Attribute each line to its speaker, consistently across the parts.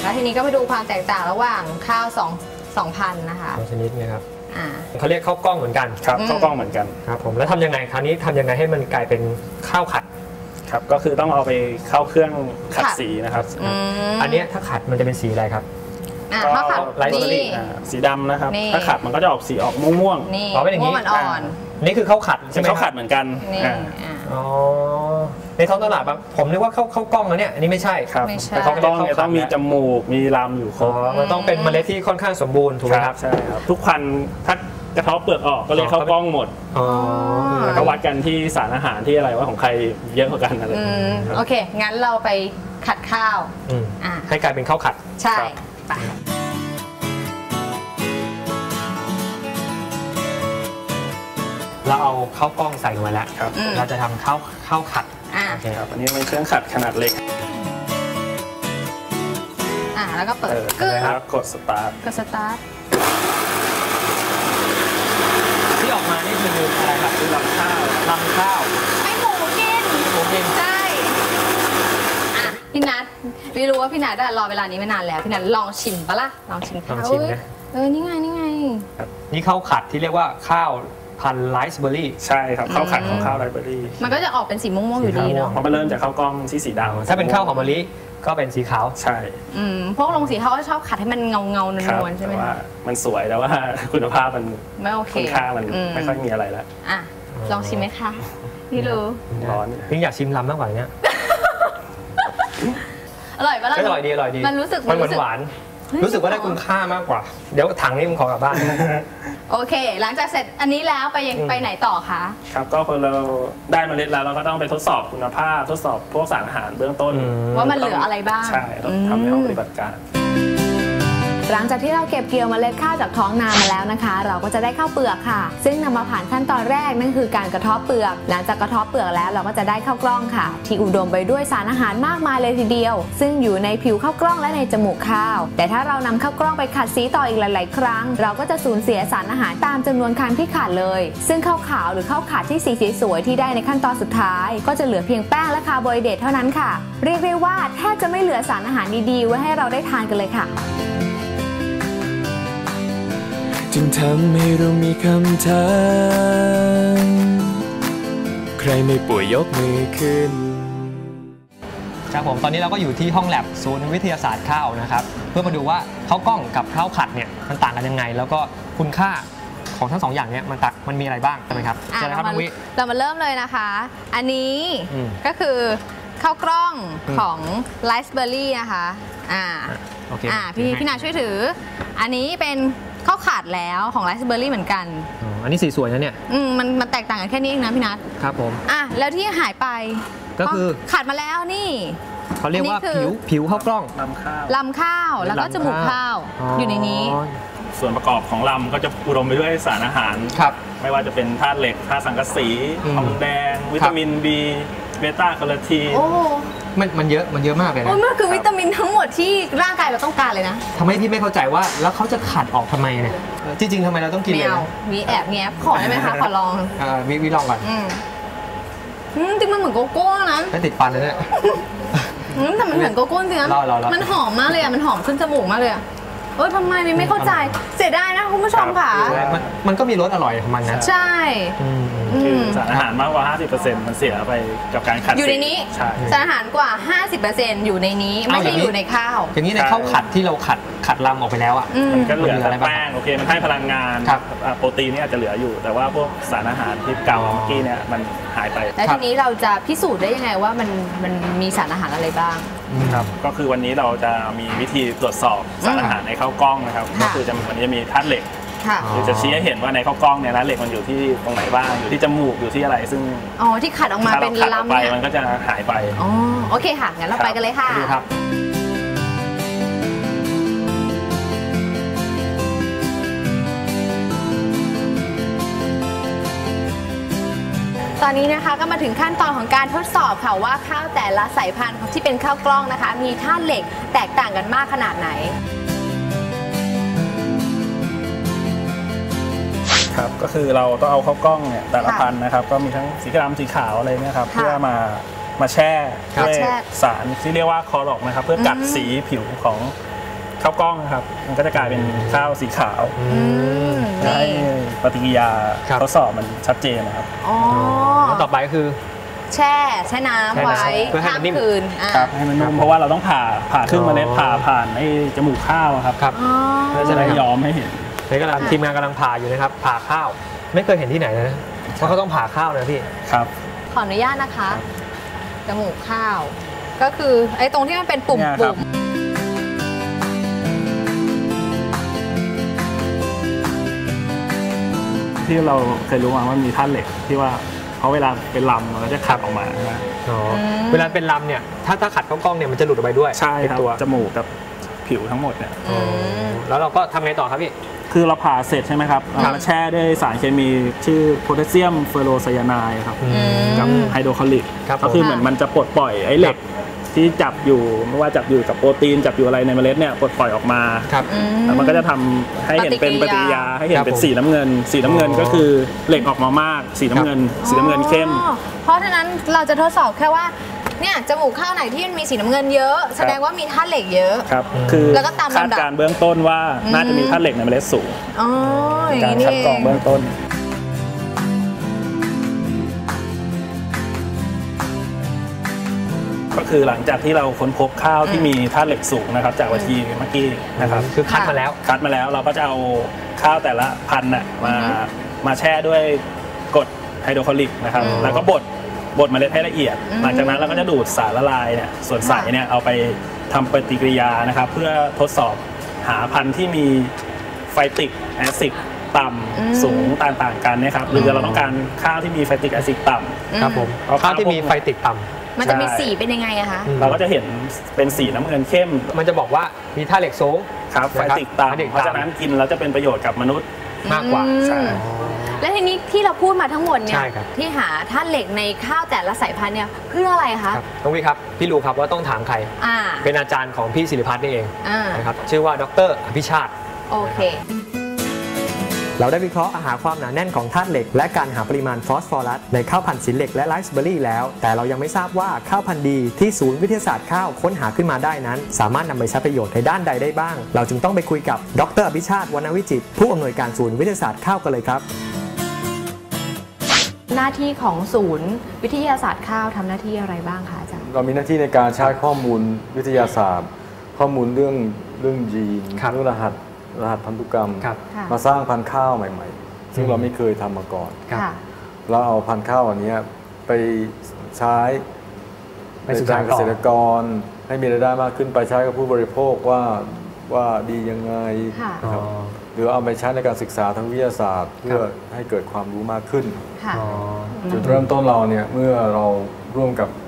Speaker 1: แล้วทีนี้ก็มาดูความแตกต่างระหว่างข้าว2,000นะคะ
Speaker 2: ชนิดนะครับเขาเรียกข้าวกล้องเหมือนกัน
Speaker 3: ครับข้าวกล้องเหมือนกัน
Speaker 2: ครับผมแล้วทำยังไงคราวนี้ทำยังไงให้มันกลายเป็นข้าวขัด
Speaker 3: ครับก็คือต้องเอาไปเข้าเครื่องขัดสีนะครับ
Speaker 2: อันนี้ถ้าขัดมันจะเป็นสีอะไรครับ
Speaker 1: ถ้าขัด
Speaker 3: สีดำนะครับถ้าขัดมันก็จะออกสีออกม่วง
Speaker 1: ๆเป็นอย่างนี้
Speaker 2: อ่อนนี่คือข้าวขัดใช่ไหม
Speaker 3: ข้าวขัดเหมือนกัน
Speaker 2: อ๋อในท้องตลาดบางผมนึกว่าข้าวกล้องนะเนี่ยอันนี้ไม่ใช่
Speaker 3: ครับแต่ข้าวกล้องเนี่ยต้องมีจมูกมีลำอยู่ครบ
Speaker 2: มันต้องเป็นเมล็ดที่ค่อนข้างสมบูรณ์ถูกไหมครับ
Speaker 3: ใช่ครับทุกพันถ้ากระเทาะเปลือกออกก็เลยข้าวกล้องหมดแล้วก็วัดกันที่สารอาหารที่อะไรว่าของใครเยอะกว่ากันอะไร
Speaker 1: โอเคงั้นเราไปขัดข้าว
Speaker 2: ให้กลายเป็นข้าวขัด
Speaker 1: ใช่ไป
Speaker 2: เราเอาข้าวกล้องใส่ลงไปแล้วเราจะทำข้าวขัด
Speaker 3: โอเคครับอันนี้เป็นเครื่องขัดขนาดเล็ก
Speaker 1: แล้วก็เปิด
Speaker 3: ครับกดสตาร์ท
Speaker 2: ที่ออกมานี่คืออะไรครับคือลำข้าว
Speaker 1: ให้หมูกินใช่พี่นัทไม่รู้ว่าพี่นัทรอเวลานี้ไม่นานแล้วพี่นัทลองชิมปะล่ะลองชิมข้าวนี่ไง
Speaker 2: นี่ข้าวขัดที่เรียกว่าข้าวพันไรซ์เบอร์รี่
Speaker 3: ใช่ครับข้าวขัดของข้าวไรซ์เบอร์รี่
Speaker 1: มันก็จะออกเป็นสีม่วงๆอยู่ดีเนาะ
Speaker 3: เพราะมันเริ่มจากข้าวกล้องที่สีดำ
Speaker 2: ถ้าเป็นข้าวหอมมะลิก็เป็นสีขาว
Speaker 3: ใช่
Speaker 1: พวกลงสีเขาก็ชอบขัดให้มันเงานวลๆใช่ไหม
Speaker 3: ว่ามันสวยแต่ว่าคุณภาพมัน
Speaker 1: ไม่โอเค
Speaker 3: คุณค่ามันไม่ค่อยมีอะไรแล้ว
Speaker 1: ลองชิมไหมคะพี่รู้
Speaker 3: ร้อน
Speaker 2: พี่อยากชิมลำมากกว่านี้
Speaker 1: อร่อยปะล่ะ
Speaker 2: อร่อยดี
Speaker 1: มันรู้สึก
Speaker 2: หวานรู้สึกว่าได้คุณค่ามากกว่าเดี๋ยวถังนี้ผมขอกลับบ้าน
Speaker 1: โอเคหลังจากเสร็จอันนี้แล้วไปไหนต่อคะ
Speaker 3: ครับก็พอเราได้เมล็ดแล้วเราก็ต้องไปทดสอบคุณภาพทดสอบพวกสารอาหารเบื้องต้น
Speaker 1: ว่ามันเหลืออะไรบ้าง
Speaker 3: ใช่ต้องทำในห้องปฏิบัติการ
Speaker 4: หลังจากที่เราเก็บเกี่ยวเมล็ดข้าวจากท้องนามาแล้วนะคะเราก็จะได้ข้าวเปลือกค่ะซึ่งนำมาผ่านขั้นตอนแรกนั่นคือการกระเทาะเปลือกหลังจากกระเทาะเปลือกแล้วเราก็จะได้ข้าวกล้องค่ะที่อุดมไปด้วยสารอาหารมากมายเลยทีเดียวซึ่งอยู่ในผิวข้าวกล้องและในจมูกข้าวแต่ถ้าเรานำข้าวกล้องไปขัดสีต่ออีกหลายๆครั้งเราก็จะสูญเสียสารอาหารตามจำนวนครั้งที่ขาดเลยซึ่งข้าวขาวหรือข้าวขัดที่สีสวยๆที่ได้ในขั้นตอนสุดท้ายก็จะเหลือเพียงแป้งและคาร์โบไฮเดรตเท่านั้นค่ะเรียกได้ว่าแทบจะไม่เหลือสารอาหารดีๆไว้ให้เราได้ทานกันเลยค่ะ
Speaker 5: จึงทำให้เรามีคำถามใครไม่ป่วยยกมือขึ้น
Speaker 2: ครับผมตอนนี้เราก็อยู่ที่ห้องแลบศูนย์วิทยาศาสตร์ข้าวนะครับเพื่อมาดูว่าข้าวกล้องกับข้าวขัดเนี่ยมันต่างกันยังไงแล้วก็คุณค่าของทั้งสองอย่างเนี่ยมันมีอะไรบ้างใช่ไหมครับใช่ครับน้องวิ
Speaker 1: เรามาเริ่มเลยนะคะอันนี้ก็คือข้าวกล้องของไรซ์เบอร์รี่นะคะพี่นาช่วยถืออันนี้เป็นข้าวขาดแล้วของไรซ์เบอร์รี่เหมือนกัน
Speaker 2: อันนี้สีสวยนะเนี่ย
Speaker 1: มันแตกต่างกันแค่นี้เองนะพี่นัท
Speaker 2: ครับผม
Speaker 1: แล้วที่หายไป
Speaker 2: ก็คือ
Speaker 1: ขาดมาแล้วนี่
Speaker 2: เขาเรียกว่าผิวข้าวกล้อง
Speaker 1: ลำข้าวแล้วก็จมูกข้าวอยู่ในนี้
Speaker 3: ส่วนประกอบของลำก็จะอุดมไปด้วยสารอาหารไม่ว่าจะเป็นธาตุเหล็กธาตุสังกะสีทองแดงวิตามิน B เบต้าแคโรทีน
Speaker 2: มันเยอะมากเลยนะ
Speaker 1: มันคือวิตามินทั้งหมดที่ร่างกายเราต้องการเลยนะ
Speaker 2: ทำไมพี่ไม่เข้าใจว่าแล้วเขาจะขัดออกทำไมเนี่ยจริงๆทำไมเราต้องกินเลย
Speaker 1: มีแอบแงบขอได้ไหมคะขอลอง
Speaker 2: วิลองก่อน
Speaker 1: จริงมันเหมือนโกโก้นะ
Speaker 2: ไม่ติดฟันเลยเนี่ย
Speaker 1: แต่มันเหมือนโกโก้จริงนะมันหอมมากเลยมันหอมขึ้นจมูกมากเลยทำไมไม่เข้าใจเสียดายนะคุณผู้ชมค่ะ
Speaker 2: มันก็มีรสอร่อยของมันนะ
Speaker 1: ใช่
Speaker 3: คือสารอาหารมากกว่า 50% มันเสียไปกับการขัด
Speaker 1: อยู่ในนี้สารอาหารกว่า 50% อยู่ในนี้ไม่ใช่อยู่ในข้าว
Speaker 2: อย่างนี้ในข้าวขัดที่เราขัดลำออกไปแล้ว
Speaker 3: มันก็เหลือแต่แป้งโอเคมันให้พลังงานโปรตีนนี่อาจจะเหลืออยู่แต่ว่าพวกสารอาหารที่เก่าเมื่อกี้เนี่ยมันหายไป
Speaker 1: แล้วทีนี้เราจะพิสูจน์ได้ยังไงว่ามันมีสารอาหารอะไรบ้าง
Speaker 3: ครับก็คือวันนี้เราจะมีวิธีตรวจสอบสารอาหารในข้าวกล้องนะครับก็คือวันนี้จะมีธาตุเหล็กคือจะชี้ให้เห็นว่าในข้าวกล้องเนี่ยนะเหล็กมันอยู่ที่ตรงไหนบ้างอยู่ที่จมูกอยู่ที่อะไรซึ่ง
Speaker 1: ที่ขัดออกมาเป็นลำ
Speaker 3: เนี่ยมันก็จะหายไป
Speaker 1: โอเคค่ะงั้นเราไปกันเลยค่ะตอนนี้นะคะก็มาถึงขั้นตอนของการทดสอบค่ะว่าข้าวแต่ละสายพันธุ์ที่เป็นข้าวกล้องนะคะมีธาตุเหล็กแตกต่างกันมากขนาดไหน
Speaker 3: ครับก็คือเราต้องเอาข้าวกล้องเนี่ยแต่ละพันธุ์นะครับก็มีทั้งสีดำสีขาวอะไรเนี่ยครับเพื่อมาแช่ด้วยสารที่เรียกว่าคอรอกนะครับเพื่อกัดสีผิวของข้าวกล้องนะครับมันก็จะกลายเป็นข้าวสีขาวจะให้ปฏิกิริยาทดสอบมันชัดเจนนะครับ
Speaker 2: แล้วต่อไปก็คือ
Speaker 1: แช่น้ำไว้ข้ามคืน
Speaker 3: ครับให้มันนุ่มเพราะว่าเราต้องผ่าครึ่งเมล็ดผ่านไอ้จมูกข้าวครับเพื่อจะได้ย้อมให้เห็น
Speaker 2: นี่กำลังทีมงานกำลังผ่าอยู่นะครับผ่าข้าวไม่เคยเห็นที่ไหนนะเพราะเขาต้องผ่าข้าวนะพี่
Speaker 3: ครับ
Speaker 1: ขออนุญาตนะคะจมูกข้าวก็คือไอ้ตรงที่มันเป็นปุ่ม
Speaker 3: ที่เราเคยรู้มาว่ามีธาตุเหล็กที่ว่าเขาเวลาเป็นลำเราจะขัดออกมา
Speaker 2: เวลาเป็นลำเนี่ยถ้าขัดเข้ากล้องเนี่ยมันจะหลุดออกไปด้วย
Speaker 3: ใช่ครับตัวจมูกกับผิวทั้งหมดเนี่ย
Speaker 2: แล้วเราก็ทำไงต่อครับพี่
Speaker 3: คือเราผ่าเสร็จใช่ไหมครับเราแช่ด้วยสารเคมีชื่อโพแทสเซียมเฟอโรไซยาไนด์ครับกับไฮโดรคลอริกก็คือเหมือนมันจะปลดปล่อยไอ้เหล็กที่จับอยู่ไม่ว่าจับอยู่กับโปรตีนจับอยู่อะไรในเมล็ดเนี่ยปลดปล่อยออกมาแล้วมันก็จะทำให้เห็นเป็นปฏิกิริยาให้เห็นเป็นสีน้ำเงินก็คือเหล็กออกมามากสีน้ำเงินเข้ม
Speaker 1: เพราะฉะนั้นเราจะทดสอบแค่ว่าเนี่ยจมูกข้าวไหนที่มันมีสีน้ำเงินเยอะแสดงว่ามีธาตุเหล็กเยอะ
Speaker 3: ครับคือแล้วก็ตามคาดการเบื้องต้นว่าน่าจะมีธาตุเหล็กในเมล็ดสูงการคัดกรองเบื้องต้นก็คือหลังจากที่เราค้นพบข้าวที่มีธาตุเหล็กสูงนะครับจากวิธีเมื่อกี้นะครับ
Speaker 2: คือคัดมาแล้ว
Speaker 3: เราก็จะเอาข้าวแต่ละพันธุ์มาแช่ด้วยกรดไฮโดรคลอริกนะครับแล้วก็บดเมล็ดให้ละเอียดหลังจากนั้นเราก็จะดูดสารละลายเนี่ยส่วนใสเนี่ยเอาไปทำปฏิกิริยานะครับเพื่อทดสอบหาพันธุ์ที่มีไฟติกแอซิดต่ำสูงต่างๆกันนะครับหรือเราต้องการข้าวที่มีไฟติกแอซิดต่
Speaker 2: ำครับผมข้าวที่มีไฟติกต่ำ
Speaker 1: มันจะมีสีเป็นยังไงอะคะ
Speaker 3: เราก็จะเห็นเป็นสีน้ำเงินเข้ม
Speaker 2: มันจะบอกว่ามีธาตุเหล็กสูง
Speaker 3: ครับไฟติกต่ำเพราะฉะนั้นกินแล้วจะเป็นประโยชน์กับมนุษย์
Speaker 2: มากกว่า
Speaker 3: ใช่
Speaker 1: และทีนี้ที่เราพูดมาทั้งหมดเนี่ยที่หาธาตุเหล็กในข้าวแต่ละสายพันธุ์เนี่ยเพื่ออะไรคะ
Speaker 2: ต้องพี่ครับพี่รู้ครับว่าต้องถามใครเป็นอาจารย์ของพี่ศิริพัฒน์นี่เองนะครับชื่อว่าดร.อภิชาติ
Speaker 1: โอเค
Speaker 2: เราได้วิเคราะห์หาความหนาแน่นของธาตุเหล็กและการหาปริมาณฟอสฟอรัสในข้าวพันธุ์สินเหล็กและไรซ์เบอร์รี่แล้วแต่เรายังไม่ทราบว่าข้าวพันธุ์ดีที่ศูนย์วิทยาศาสตร์ข้าวค้นหาขึ้นมาได้นั้นสามารถนำไปใช้ประโยชน์ในด้านใดได้บ้างเราจึงต้องไปคุยกับดร.อภิชาติวรรณวิจิตรผู้อำนวยการศูนย์วิทยาศาสตร์ข้าวกันเลยครับ
Speaker 1: หน้าที่ของศูนย์วิทยาศาสตร์ข้าวทำหน้าที่อะไรบ้างคะอาจารย์
Speaker 6: เรามีหน้าที่ในการใช้ข้อมูลวิทยาศาสตร์ข้อมูลเรื่องยีนเรื่องรหัสพันธุกรรมมาสร้างพันธุ์ข้าวใหม่ๆซึ่งเราไม่เคยทำมาก่อนเราเอาพันธุ์ข้าวอันนี้ไปใช้ในการเกษตรกรให้มีรายได้มากขึ้นไปใช้กับผู้บริโภคว่าดียังไงหรือเอาไปใช้ในการศึกษาทางวิทยาศาสตร์เพื่อให้เกิดความรู้มากขึ้นจุดเริ่มต้นเราเนี่ยเมื่อเราร่วมกับ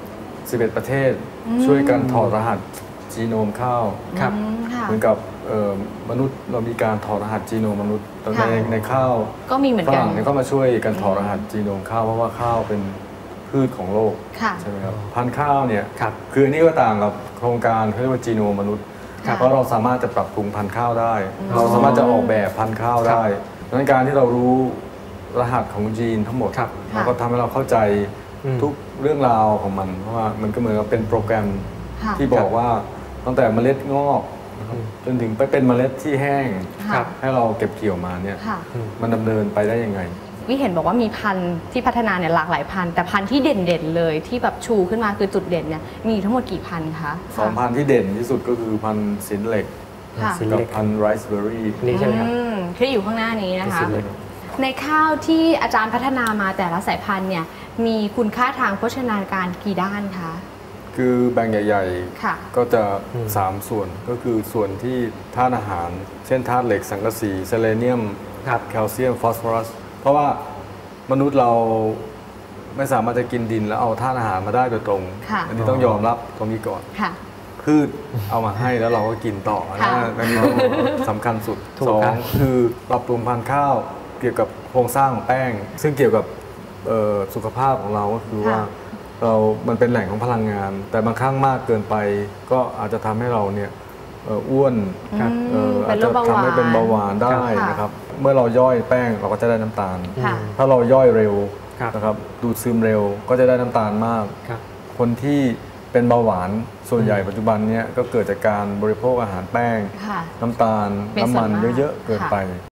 Speaker 6: 11ประเทศช่วยกันถอดรหัสจีโนมข้าวเหมือนกับมนุษย์เรามีการถอดรหัสจีโนมมนุษย์ในข้าว
Speaker 1: ก็มีเหมือนกันฝ
Speaker 6: รั่งเนี่ยก็มาช่วยกันถอดรหัสจีโนมข้าวเพราะว่าข้าวเป็นพืชของโลกใช่ไหมครับพันธุ์ข้าวเนี่ยคืออันนี้ก็ต่างกับโครงการเขาเรียกว่าจีโนมมนุษย์เพราะเราสามารถจะปรับปรุงพันธุ์ข้าวได้เราสามารถจะออกแบบพันธุ์ข้าวได้ดังนั้นการที่เรารู้รหัสของยีนทั้งหมดมันก็ทำให้เราเข้าใจทุกเรื่องราวของมันเพราะว่ามันก็เหมือนกับเป็นโปรแกรมที่บอกว่าตั้งแต่เมล็ดงอกจนถึงไปเป็นเมล็ดที่แห้งให้เราเก็บเกี่ยวมาเนี่ยมันดำเนินไปได้ยังไง
Speaker 1: วิเห็นบอกว่ามีพันธุ์ที่พัฒนาเนี่ยหลากหลายพันธุ์แต่พันธุ์ที่เด่นๆเลยที่แบบชูขึ้นมาคือจุดเด่นเนี่ยมีทั้งหมดกี่พันธุ์คะ
Speaker 6: 2 พันธุ์ที่เด่นที่สุดก็คือพันธุ์สินเหล็กกับพันธุ์ไรซ์เบอร์รี่
Speaker 2: นี่ใช่ไหมครับ
Speaker 1: ที่อยู่ข้างหน้านี้นะคะในข้าวที่อาจารย์พัฒนามาแต่ละสายพันธุ์เนี่ยมีคุณค่าทางโภชนาการกี่ด้านคะ
Speaker 6: คือแบ่งใหญ่ๆก็จะ3ส่วนก็คือส่วนที่ธาตุอาหารเช่นธาตุเหล็กสังกะสีเซเลเนียมแคลเซียมฟอสฟอรัสเพราะว่ามนุษย์เราไม่สามารถจะกินดินแล้วเอาธาตุอาหารมาได้โดยตรงอันนี้ต้องยอมรับตรงนี้ก่อนพืชเอามาให้แล้วเราก็กินต่ออันนี้สำคัญสุด2คือปรับปรุงพันธุ์ข้าวเกี่ยวกับโครงสร้างของแป้งซึ่งเกี่ยวกับสุขภาพของเราก็คือว่ามันเป็นแหล่งของพลังงานแต่บางครั้งมากเกินไปก็อาจจะทำให้เราเนี่ยอ้วนอาจจะทำให้เป็นเบาหวานได้นะครับเมื่อเราย่อยแป้งเราก็จะได้น้ำตาลถ้าเราย่อยเร็วนะครับดูดซึมเร็วก็จะได้น้ำตาลมากคนที่เป็นเบาหวานส่วนใหญ่ปัจจุบันเนี้ยก็เกิดจากการบริโภคอาหารแป้งน้ำตาลน้ำมันเยอะๆเกินไป